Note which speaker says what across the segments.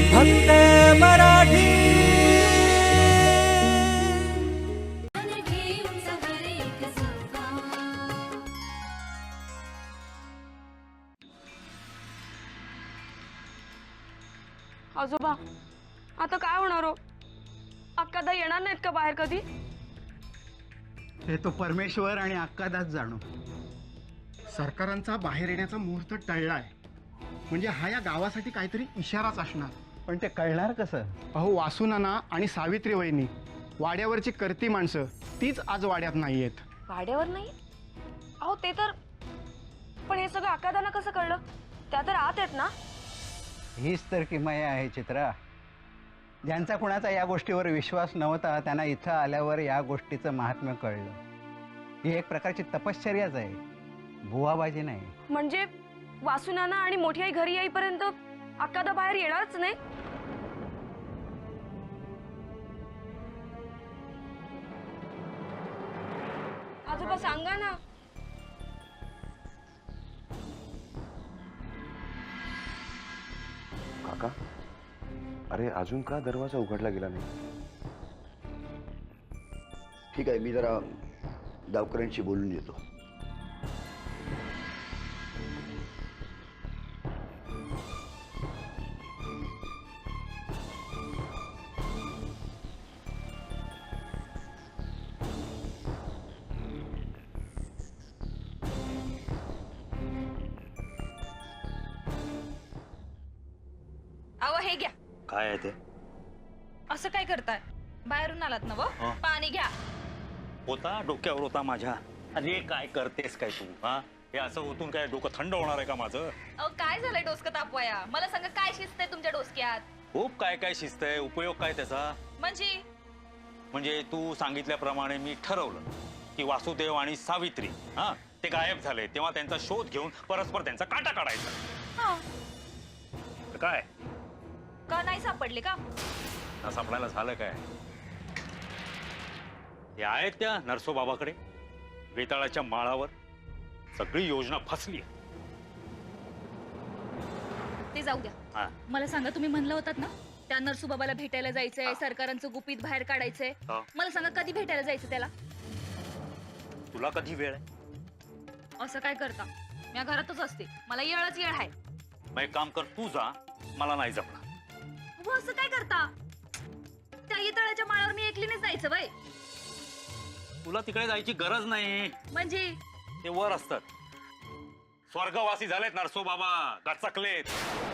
Speaker 1: फक्त मराठी।
Speaker 2: आजोबा आता काय होणार हो? अक्कादा येणार नाहीत का बाहेर कधी?
Speaker 3: हे तो परमेश्वर आणि अक्कादास जाणो। सरकारांचा बाहेर येण्याचा मुहूर्त टळलाय म्हणजे हा या गावासाठी काहीतरी इशाराच असणार। पण ते कळणार कसं? अहो वासुनाना आणि सावित्री वहिनी वाड्यावरची करती माणसं तीच आज वाड्यात नाहीयेत।
Speaker 2: वाड्यावर नाही? अहो ते तर, पण हे सगळं अक्कादांना कसं कळलं? त्या तर आत आहेत ना?
Speaker 3: हीच तर किमया आहे चित्रा। ज्यांचा कुणाचा या गोष्टीवर विश्वास नव्हता त्यांना इथं आल्यावर या गोष्टीचं महात्म्य कळलं। ही एक प्रकारची तपश्चर्याच आहे, बुवाबाजी नाही।
Speaker 2: म्हणजे वासुनाना आणि मोठी आई घरी येईपर्यंत अक्कादा बाहेर येणारच नाही? आजोबा सांगा ना।
Speaker 4: काका, अरे अजून का दरवाजा उघडला गेला नाही?
Speaker 5: ठीक आहे, मी जरा गावकऱ्यांशी बोलून येतो।
Speaker 6: अहो हे घ्या।
Speaker 4: काय आहे ते?
Speaker 6: असं काय करताय? बाहेरून आलात ना व? पाणी घ्या।
Speaker 7: होता डोक्यावर होता माझ्या। अरे काय करतेस काय तू? हा, हे असं होतून काय डोकं थंड होणार आहे का माझं?
Speaker 6: अहो काय झालंय डोसकं तापवाया? मला सांगा काय शिस्त आहे तुमच्या डोसक्यात?
Speaker 7: खूप काय काय शिस्त आहे, उपयोग काय त्याचा?
Speaker 6: म्हणजे
Speaker 7: तू सांगितल्याप्रमाणे मी ठरवलं की वासुदेव आणि सावित्री हा ते गायब झाले, तेव्हा त्यांचा शोध घेऊन परस्पर त्यांचा काटा काढायचा।
Speaker 6: हा,
Speaker 7: तर काय
Speaker 6: का नाही सापडले का?
Speaker 7: ना सापडायला झालं काय? हे आहेत त्या नरसोबाबाकडे वेताळाच्या माळावर। सगळी योजना फसली।
Speaker 6: ते जाऊ
Speaker 7: हा.
Speaker 6: द्या। मला सांगा, तुम्ही म्हणलं होतात ना त्या नरसुबाबाला भेटायला जायचंय, सरकारांचं गुपित बाहेर काढायचंय।
Speaker 7: हा.
Speaker 6: मला सांगा कधी भेटायला जायचं त्याला?
Speaker 7: तुला कधी वेळ आहे?
Speaker 6: असं काय करता? मी घरातच असते, मला येळच येळ आहे।
Speaker 7: मग एक काम कर, तू जा, मला नाही जमणार।
Speaker 6: हो, असं काय करता? त्या येतळाच्या माळावर मी एकलीनेच जायचं बाई?
Speaker 7: तुला तिकडे जायची गरज नाही,
Speaker 6: म्हणजे
Speaker 7: ते वर असतात। स्वर्गवासी झालेत नरसोबाबा, गचकलेत।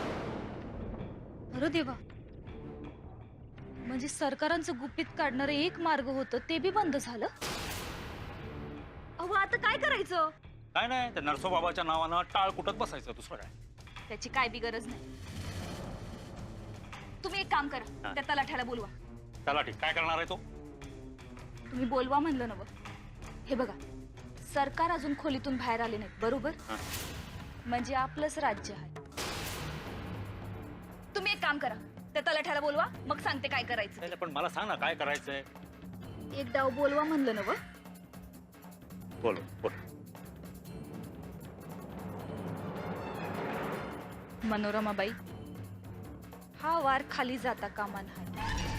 Speaker 6: अरे देवा, म्हणजे सरकारांचं गुपित काढणारं एक मार्ग होतं ते बी बंद झालं? अहो आता काय करायचं?
Speaker 7: काय नाही, त्या नरसोबाबाच्या नावानं टाळ कुटत बसायचं, दुसरं काय?
Speaker 6: त्याची काय बी गरज नाही। तुम्ही एक काम करा, त्या तलाठ्याला बोलवा।
Speaker 7: चला ठीक, काय करणार आहे तो?
Speaker 6: तुम्ही बोलवा म्हणलं नव? हे बघा, सरकार अजून खोलीतून बाहेर आले नाहीत, बरोबर? म्हणजे आपलंच राज्य आहे। तुम्ही एक काम करा, त्या तलाठ्याला बोलवा, मग सांगते काय करायचं।
Speaker 7: पण मला सांग ना काय करायचंय?
Speaker 6: एक डाव बोलवा म्हणलं नव?
Speaker 7: बोल बोल।
Speaker 6: मनोरमाबाई, हा वार खाली जाता कामा नये।